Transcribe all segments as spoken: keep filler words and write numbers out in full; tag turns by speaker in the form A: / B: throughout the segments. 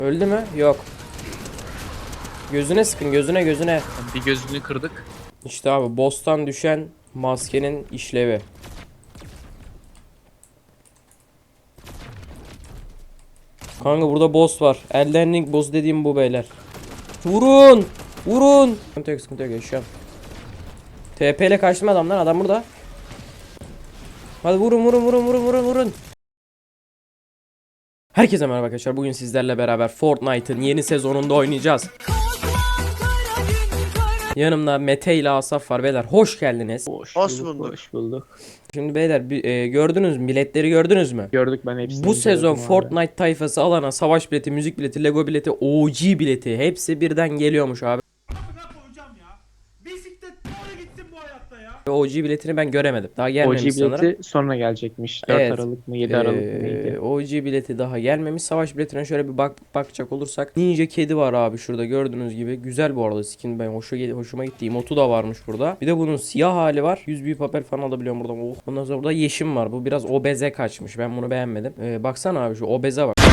A: Öldü mü? Yok. Gözüne sıkın, gözüne gözüne.
B: Bir gözünü kırdık.
A: İşte abi boss'tan düşen maskenin işlevi. Kanka burada boss var. Elden Ring boss dediğim bu beyler. Vurun! Vurun! Sıkıntı yok, sıkıntı yok, yaşıyorum. T P ile kaçtım adamlar. Adam burada. Hadi vurun vurun vurun vurun vurun vurun. Herkese merhaba arkadaşlar. Bugün sizlerle beraber Fortnite'ın yeni sezonunda oynayacağız. Yanımda Mete ile Asaf var beyler. Hoş geldiniz.
B: Hoş,
C: Hoş
B: bulduk,
C: bulduk.
B: hoş bulduk.
A: Şimdi beyler bir, e, gördünüz mü? Biletleri gördünüz mü?
B: Gördük, ben hepsini
A: Bu sezon
B: inceledim abi.
A: Fortnite tayfası alana savaş bileti, müzik bileti, Lego bileti, O G bileti hepsi birden geliyormuş abi.
D: Hocam ya. Bisiklet doğru gitsin bu hayatta ya.
A: O G biletini ben göremedim. Daha
B: O
A: gelmemiş
B: G
A: sanırım.
B: bileti sonra gelecekmiş. dört
A: Evet.
B: Aralık mı yedi Aralık mı
A: Ee,
B: neydi?
A: O G bileti daha gelmemiş. Savaş biletine şöyle bir bak bakacak olursak Ninja kedi var abi şurada gördüğünüz gibi. Güzel bu arada skin, ben hoşu, hoşuma gitti. Emotu da varmış burada. Bir de bunun siyah hali var. yüz büyük papel falan alabiliyorum buradan. Oh. Ondan sonra burada yeşim var. Bu biraz obeze kaçmış. Ben bunu beğenmedim. Ee, baksana abi şu obeze bak.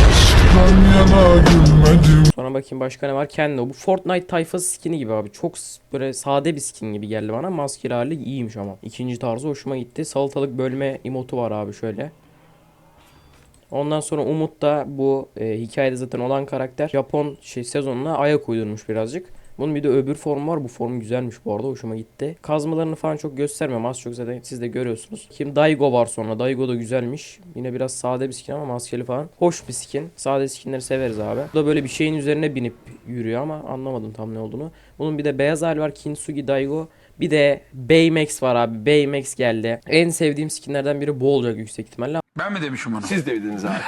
A: Sonra bakayım başka ne var? Kendi bu Fortnite tayfası skini gibi abi. Çok böyle sade bir skin gibi geldi bana. Maskeli hali iyiymiş ama. İkinci tarzı hoşuma gitti. Salatalık bölme emotu var abi şöyle. Ondan sonra Umut da bu e, hikayede zaten olan karakter Japon şey sezonuna ayak uydurmuş birazcık. Bunun bir de öbür formu var. Bu form güzelmiş bu arada. Hoşuma gitti. Kazmalarını falan çok göstermiyorum. Az çok zaten siz de görüyorsunuz. Kim Daigo var sonra. Daigo da güzelmiş. Yine biraz sade bir skin ama maskeli falan. Hoş bir skin. Sade skinleri severiz abi. Bu da böyle bir şeyin üzerine binip yürüyor ama anlamadım tam ne olduğunu. Bunun bir de beyaz hali var. Kintsugi Daigo. Bir de Baymax var abi. Baymax geldi. En sevdiğim skinlerden biri bu olacak yüksek ihtimalle.
E: Ben mi demişim onu? Siz dediniz abi.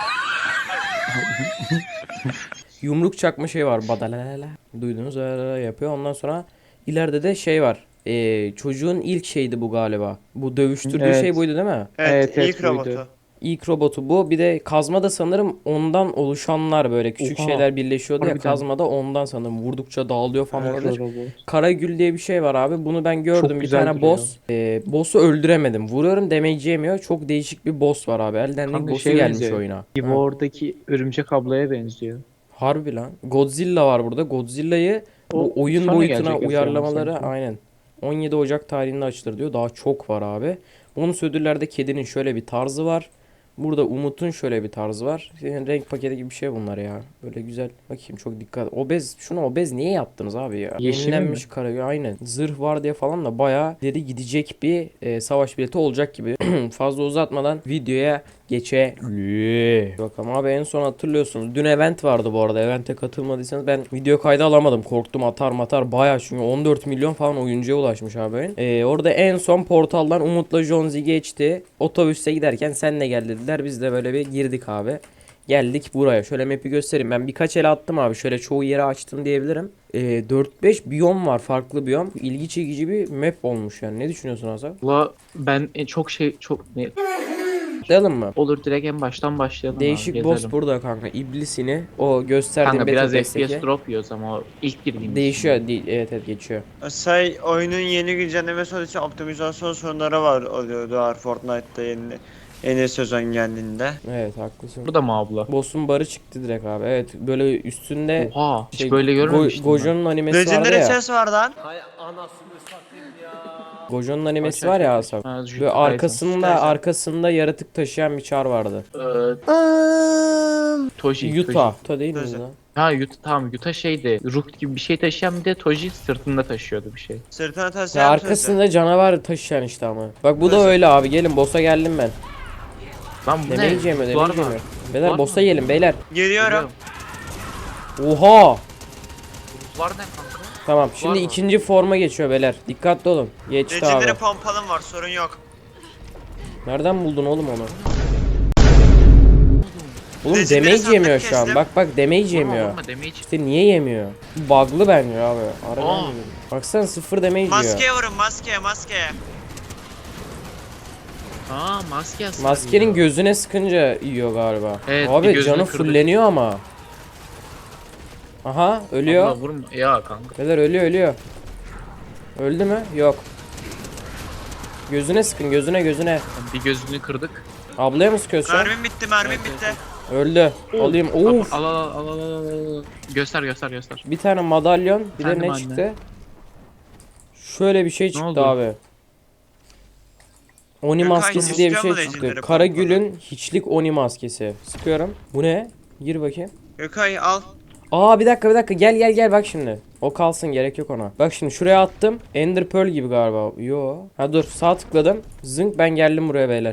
A: Yumruk çakma şey var. Badalala. Duydunuz öyle yapıyor. Ondan sonra ileride de şey var. Ee, çocuğun ilk şeydi bu galiba. Bu dövüştürdüğü
B: Evet.
A: şey buydu değil mi?
C: Evet,
B: Evet, evet,
C: ilk
B: buydu.
C: robotu.
A: İlk robotu bu. Bir de kazma da sanırım ondan oluşanlar böyle küçük
B: Oha.
A: şeyler birleşiyordu ya,
B: Harbiden.
A: kazma da ondan sanırım. Vurdukça dağılıyor falan
B: Evet,
A: olabilir.
B: robot.
A: Karagül diye bir şey var abi. Bunu ben gördüm.
B: Çok
A: Bir
B: güzel
A: tane
B: duruyor.
A: boss. Ee, boss'u öldüremedim. Vuruyorum damage yemiyor. Çok değişik bir boss var abi. Elden Ring
B: Kanka
A: boss'u
B: şey
A: gelmiş
B: benziyor.
A: oyuna. Ha.
B: Evo'daki örümcek ablaya benziyor.
A: Harbi lan. Godzilla var burada. Godzilla'yı bu
B: O
A: oyun
B: sonra
A: boyutuna
B: gelecek
A: uyarlamaları
B: sanki.
A: aynen. on yedi Ocak tarihinde açılır diyor. Daha çok var abi. Bonus ödüllerde kedinin şöyle bir tarzı var. Burada Umut'un şöyle bir tarzı var. Yani renk paketi gibi bir şey bunlar ya. Böyle güzel. Bakayım çok dikkat. Obez. Şunu obez niye yaptınız abi ya?
B: Yeşil
A: Yenilenmiş
B: mi?
A: kara. Aynen. Zırh var diye falan da bayağı ileri gidecek bir e, savaş bileti olacak gibi. Fazla uzatmadan videoya geçelim. Bakalım abi, en son hatırlıyorsunuz. Dün event vardı bu arada. Event'e katılmadıysanız ben video kaydı alamadım. Korktum atar matar bayağı, çünkü on dört milyon falan oyuncuya ulaşmış abi oyun. Ee, orada en son portaldan Umut'la Jonzi geçti. Otobüste giderken sen de gel dediler. Biz de böyle bir girdik abi. Geldik buraya. Şöyle map'i göstereyim. Ben birkaç el attım abi. Şöyle çoğu yeri açtım diyebilirim. Ee, dört beş biyom var. Farklı biyom. İlgi çekici bir map olmuş yani. Ne düşünüyorsun Hasan?
B: Valla ben en çok şey çok ne
A: Başlayalım mı?
B: olur, direkt en baştan başlayalım
A: Değişik
B: abi,
A: boss
B: gezelim.
A: burada kanka. İblisini o gösterdiğim
B: Kanka biraz
A: Battle
B: F P S
A: Pass'teki
B: drop yiyoruz ama o ilk girdiğimiz
A: değişiyor.
B: için.
A: Değil, evet evet geçiyor.
C: Say oyunun yeni güncelleme sonrası optimizasyon sorunları var oluyordu var Fortnite'da yeni yeni sezon geldiğinde.
A: Evet haklısın.
B: Burada mı abla?
A: Boss'un barı çıktı direkt abi. Evet böyle üstünde
B: Oha, hiç
A: şey,
B: böyle görmemiştim.
A: Go- Gojo'nun animesi vardı
C: Legendary
A: ya.
C: ses var lan.
A: Gojo'nun animesi
B: Aç,
A: var
B: aç,
A: ya
B: aç.
A: Asaf.
B: Ha, Jujutsu
A: Böyle
B: Kaisen.
A: arkasında
C: Kaisen.
A: arkasında yaratık taşıyan bir çar vardı.
B: Ee, Toji.
A: Yuta.
B: Toji.
A: Yuta değil mi
C: Toji.
A: lan?
B: Ha Yuta, tamam, Yuta şeydi. Rook gibi bir şey taşıyan, bir de Toji sırtında taşıyordu bir şey.
C: Sırtına
A: Ya
C: taşıyan
A: arkasında canavar taşıyan işte ama. Bak bu da
C: Toji.
A: öyle abi. Gelin boss'a geldim ben.
B: Lan bu ne?
A: Demeyi yemiyor,
B: Var
A: demeyi
B: mı?
A: yemiyor. Beyler
B: Var
A: boss'a
B: mı?
A: gelin beyler.
C: Geliyorum.
A: Oha!
B: Var ne kanka?
A: Tamam şimdi
B: mı?
A: ikinci forma geçiyor beyler. Dikkatli olun. Geçti abi.
C: Legendary pompalım var, sorun yok.
A: Nereden buldun oğlum onu? Oğlum
C: Legendary
A: damage
C: sandık
A: yemiyor şu an.
C: kestim.
A: Bak bak damage
B: Vurma,
A: yemiyor.
B: vurma, damage.
A: İşte niye yemiyor? Bug'lı bence abi. Aradan
B: Aa.
A: yemiyor. Baksana sıfır damage yiyor.
C: Maskeye vurun, maskeye maskeye.
B: Aa, maske asılıyor.
A: Maskenin gözüne sıkınca yiyor galiba.
B: Evet, bir
A: Abi
B: gözünü
A: canı
B: kırdı.
A: fulleniyor ama. Aha ölüyor.
B: Abla vurma ya kanka.
A: Beyler ölüyor ölüyor. Öldü mü? Yok. Gözüne sıkın, gözüne gözüne.
B: Bir gözünü kırdık.
A: Ablaya mı sıkıyorsun?
C: Mermim bitti, mermim
B: Evet,
C: bitti.
B: evet,
A: Öldü. Alayım. Of.
B: Al al al al al al. Göster göster göster.
A: Bir tane madalyon. Bir de
B: Efendim
A: ne
B: anne?
A: çıktı? Şöyle bir şey çıktı
B: oldu?
A: abi. Oni
C: Gökay,
A: maskesi diye bir
C: istiyor
A: şey
C: mu
A: çıktı.
C: Legendary
A: Karagül'ün hiçlik Oni maskesi. Sıkıyorum. Bu ne? Gir bakayım.
C: Gökay al.
A: Aa bir dakika bir dakika gel gel gel bak şimdi. O kalsın gerek yok ona. Bak şimdi şuraya attım. Ender Pearl gibi galiba. Yo. Ha dur sağ tıkladım. Zınk ben geldim buraya beyler.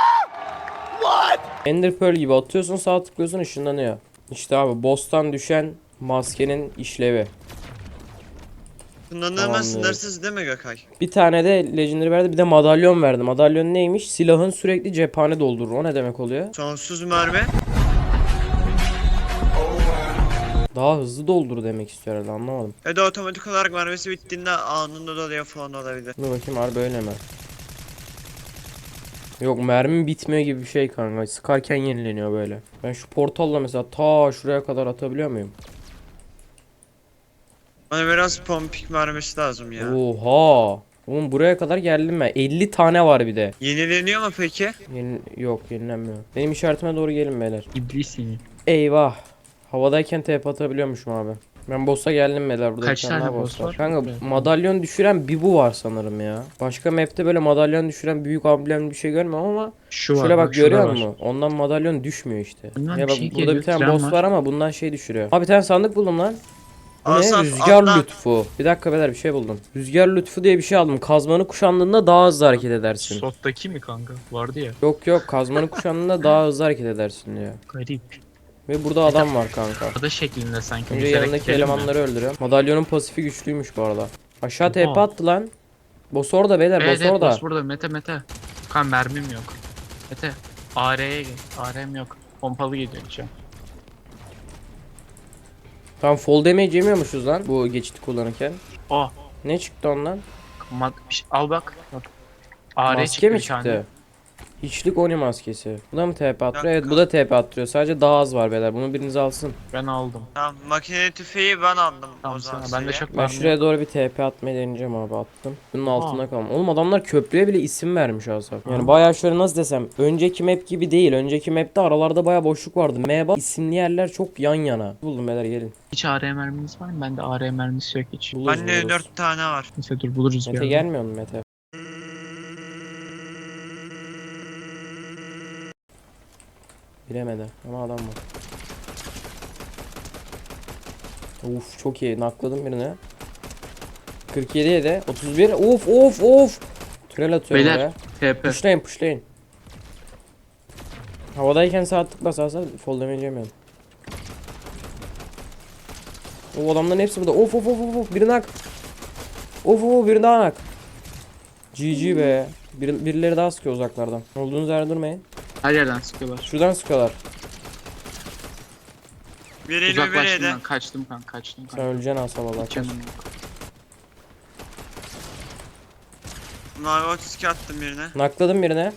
A: Ender Pearl gibi atıyorsun sağ tıklıyorsun ışınlanıyor. İşte abi boss'tan düşen maskenin işlevi.
C: Sınırlama
A: Tamamdır.
C: sınırsız değil mi Gökay?
A: Bir tane de Legendary verdi bir de madalyon verdi. Madalyon neymiş? Silahın sürekli cephane doldurur. O ne demek oluyor?
C: Sonsuz mermi.
A: Daha hızlı doldur demek istiyor herhalde anlamadım.
C: Ya da otomatik olarak mermisi bittiğinde anında doluyor falan olabilir.
A: Dur bakayım harbi öyle mi? Yok mermim bitmiyor gibi bir şey kanka. Sıkarken yenileniyor böyle. Ben şu portalla mesela ta şuraya kadar atabiliyor muyum?
C: Bana biraz pompik mermisi lazım ya.
A: Oha! Oğlum buraya kadar geldim ben. elli tane var bir de.
C: Yenileniyor mu peki?
A: Yeni... Yok yenilenmiyor. Benim işaretime doğru gelin beyler.
B: İblis seni.
A: Eyvah. Havadayken T P atabiliyormuşum abi. Ben boss'a geldim beyler. Burada
B: Kaç
A: bir tane
B: tane
A: daha
B: boss var?
A: Kanka
B: Evet.
A: madalyon düşüren bir bu var sanırım ya. Başka map'te böyle madalyon düşüren büyük amblem bir şey görmüyorum ama
B: Şu var.
A: şöyle bak
B: şurada
A: görüyor
B: var.
A: musun? Ondan madalyon düşmüyor işte.
B: Bundan
A: Ya
B: bir
A: bak
B: şey
A: burada
B: geliyor,
A: bir tane
B: tren
A: boss
B: var.
A: var ama bundan şey düşürüyor. Abi bir tane sandık buldum lan. Bu ne?
C: Asaf,
A: Rüzgar
C: atla.
A: lütfu. Bir dakika beyler bir şey buldum. Rüzgar lütfu diye bir şey aldım. Kazmanı kuşandığında daha hızlı hareket edersin.
B: Sottaki mi kanka? Vardı ya.
A: Yok yok kazmanı kuşandığında daha hızlı hareket edersin diyor.
B: Garip.
A: Ve burada adam var kanka.
B: Ada şeklinde sanki.
A: Önce
B: Yüzerek
A: yanındaki
B: gidelim mi?
A: elemanları öldürüyorum. Madalyonun pasifi güçlüymüş bu arada. Aşağı T P
B: Oha.
A: attı lan. Boss orada beyler
B: Evet
A: boss
B: evet
A: orada.
B: boss burada. Mete Mete. Kan mermim yok. Mete. A R'ye gel. A R'm yok. Pompalı geliyor içeri.
A: Tamam fall damage yemiyormuşuz lan bu geçiti kullanırken.
B: Oh.
A: Ne çıktı ondan?
B: Mat bir şey- al bak. Bak. A R
A: Maske
B: çıktı
A: mi
B: bir tane.
A: çıktı? Hiçlik Oni maskesi. Bu da mı T P attırıyor? Evet
C: Dakika.
A: bu da T P attırıyor. Sadece daha az var beyler. Bunu biriniz alsın.
B: Ben aldım.
C: Tamam makine tüfeği ben aldım
B: Tamam
C: o zaman.
B: sana. Ben de
C: size.
B: çok
A: Ben
B: mermi
A: şuraya
B: yok.
A: doğru bir T P atmayı deneyeceğim abi attım. Bunun
B: Aa.
A: altında kalma. Oğlum adamlar köprüye bile isim vermiş Asaf. Yani
B: Aa.
A: bayağı şöyle nasıl desem. Önceki map gibi değil. Önceki map'te aralarda bayağı boşluk vardı. M bak isimli yerler çok yan yana. Buldum beyler gelin.
B: Hiç A R merminiz var mı? Bende A R mermisi yok hiç.
A: Buluruz
C: Bende
A: buluruz.
C: dört tane var.
B: Neyse dur buluruz bir
A: Mete
B: ara.
A: gelmiyor mu Mete? Bilemedi ama adam var. Uf çok iyi nakladım birini. kırk yediye de otuz bir of of of. Tünel atıyorum
B: Beyler.
A: oraya.
B: T P.
A: Pushlayın pushlayın. Havadayken sağ tıkla sağ sağ fall damage yemiyorum. O adamların hepsi burada. Of of of of of birini hak. Of of birini daha hak. G G be. Bir, birileri daha sıkıyor uzaklardan. Olduğunuz yerde durmayın.
B: Her yerden sıkıyorlar.
A: Şuradan sıkıyorlar.
C: Bir elli bir
B: Uzaklaştım
C: yedi.
B: ben. Kaçtım kan. Kaçtım
A: Sen
B: kan.
A: öleceksin asla valla.
B: Hiç canım yok.
C: Mavi otuz iki attım birine.
A: Nakladım birine.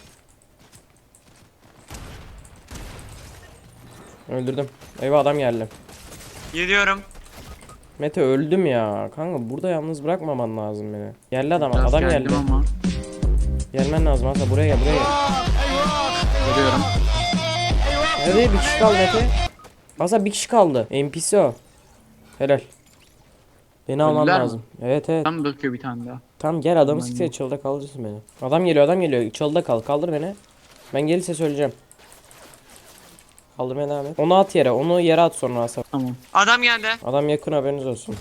A: Öldürdüm. Eyvah adam geldi.
C: Gidiyorum.
A: Mete öldüm ya. Kanka burada yalnız bırakmaman lazım beni. Geldi adam.
B: Biraz
A: adam
B: geldim
A: geldi.
B: ama.
A: Gelmen lazım aslında buraya gel buraya gel.
B: Görüyorum.
A: Hadi bir kişi kaldı Mete. Aslında bir kişi kaldı. N P C o. Helal. Beni alman
B: Öldüler mi?
A: lazım. Evet evet.
B: Tam bakıyor bir tane daha.
A: Tamam gel adamı
B: Ben
A: sıksa
B: yok.
A: çalıda kalırsın beni. Adam geliyor adam geliyor. Çalıda kal. Kaldır beni. Ben gelirse söyleyeceğim. Kaldırmaya devam et. Onu at yere. Onu yere at sonra Asaf.
B: Tamam.
C: Adam geldi.
A: Adam yakın haberiniz olsun.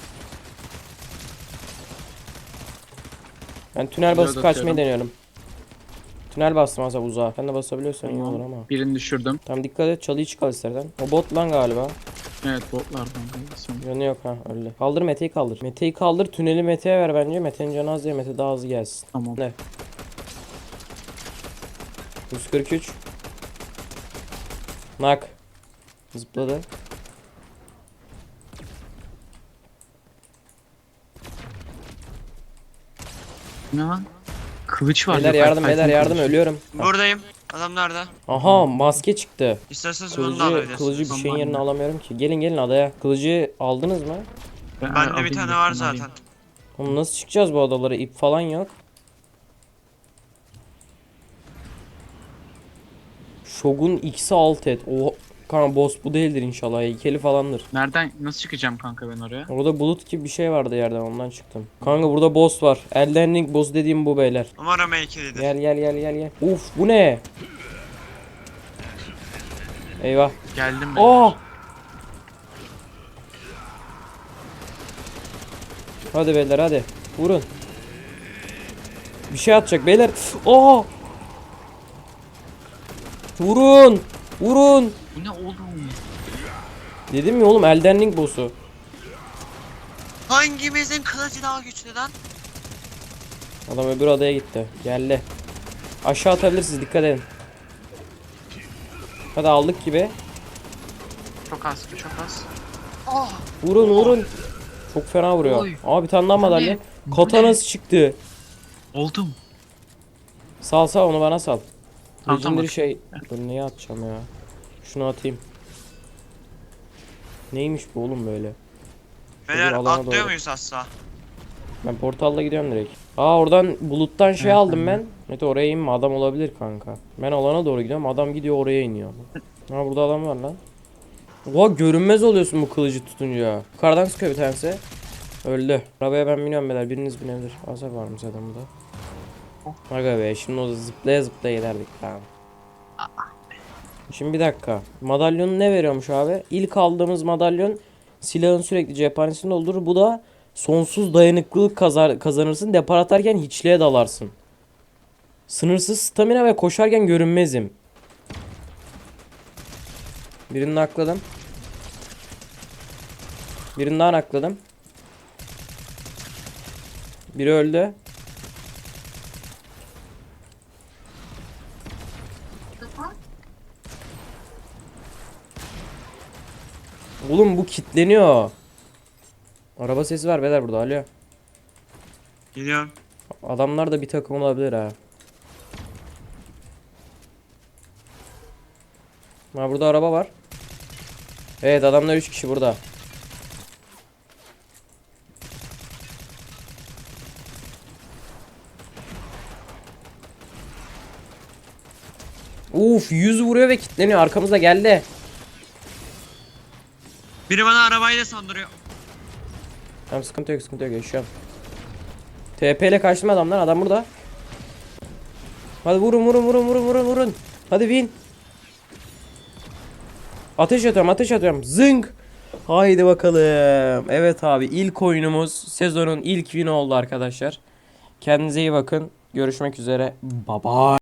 A: Ben tünel basıp
B: Reload
A: kaçmayı
B: atıyorum.
A: deniyorum. Tünel bastım Asaf uzağa. Sen de basabiliyorsan iyi olur ama.
B: Birini düşürdüm.
A: Tamam dikkat et çalıyı çıkar istersen. O bot lan galiba.
B: Evet botlardan. Sonra.
A: Yanı yok ha öyle. Kaldır Mete'yi kaldır. Mete'yi kaldır tüneli Mete'ye ver bence. Mete'nin canı az diye Mete daha hızlı gelsin.
B: Tamam.
A: Ne? yüz kırk üç. Nak. Zıpladı.
B: Ne lan? Kılıç var.
A: Beyler
B: yok,
A: yardım
B: Titan
A: beyler yardım
B: kılıç.
A: ölüyorum.
C: Buradayım. Adam nerede?
A: Aha maske çıktı.
C: İsterseniz bunu da
A: Kılıcı,
C: alabilirsiniz.
A: kılıcı bir
B: Tamam,
A: şeyin yerine
B: anne.
A: alamıyorum ki. Gelin gelin adaya. Kılıcı aldınız mı?
B: Ben
C: Bende
B: alayım
C: bir tane
B: dur,
C: var
B: ben
C: zaten.
B: alayım.
A: Oğlum nasıl çıkacağız bu adalara? İp falan yok. Shogun X'i alt et. Oha. Kanka boss bu değildir inşallah. Heykeli falandır.
B: Nereden nasıl çıkacağım kanka ben oraya?
A: Orada bulut gibi bir şey vardı yerden, ondan çıktım. Kanka burada boss var. Elden Ring boss dediğim bu beyler.
C: Umarım heykelidir.
A: Gel gel gel gel gel. Uf bu ne? Eyvah.
B: Geldim ben.
A: Oh! Hadi beyler hadi. Vurun. Bir şey atacak beyler. Oh! Vurun. Vurun.
B: Bu ne oğlum?
A: Dedim ya oğlum, Elden Ring boss'u.
C: Hangimizin kılıcı daha güçlü lan?
A: Adam öbür adaya gitti. Geldi. Aşağı atabilirsiniz, dikkat edin. Hadi aldık gibi.
B: Çok az, çok az.
A: Vurun vurun. Çok fena vuruyor.
B: Oy.
A: Aa bir tane daha madalya.
B: Bu
A: Katanası çıktı.
B: Oldum.
A: Sal sal onu bana sal.
B: Tamam, tamam,
A: Legendary
B: bak.
A: şey. Dur neye atacağım ya. Şunu atayım. Neymiş bu oğlum böyle?
C: Beyler
A: alana
C: atlıyor
A: doğru.
C: muyuz asla?
A: Ben portalla gidiyorum direkt. Aa oradan buluttan şey aldım ben. Mete oraya inme, adam olabilir kanka. Ben alana doğru gidiyorum, adam gidiyor oraya iniyor. Ha burada adam var lan. Oha görünmez oluyorsun bu kılıcı tutunca. Yukarıdan sıkıyor bir tanesi. Öldü. Arabaya ben biniyorum beyler, biriniz binebilir. Azar varmış adamda. Aga be şimdi o zıplaya zıplaya giderdik tamam. Şimdi bir dakika. Madalyonu ne veriyormuş abi? İlk aldığımız madalyon silahın sürekli cephanesini doldurur. Bu da sonsuz dayanıklılık kazar, kazanırsın. Depar atarken hiçliğe dalarsın. Sınırsız stamina ve koşarken görünmezim. Birini nakladım. Birini daha nakladım. Biri öldü. Oğlum bu kilitleniyor. Araba sesi var beyler burada, alo.
C: Gidiyorum.
A: Adamlar da bir takım olabilir ha. Ha burada araba var. Evet adamlar üç kişi burada. Uf yüz vuruyor ve kilitleniyor, arkamızda geldi.
C: Biri bana arabayla sandırıyor.
A: Tamam sıkıntı yok sıkıntı yok, yaşıyorum. T P ile kaçtım adamlar, adam burada. Hadi vurun vurun vurun vurun vurun vurun. Hadi win. Ateş atıyorum ateş atıyorum. Zınk. Haydi bakalım. Evet abi, ilk oyunumuz sezonun ilk win oldu arkadaşlar. Kendinize iyi bakın. Görüşmek üzere. Bye bye.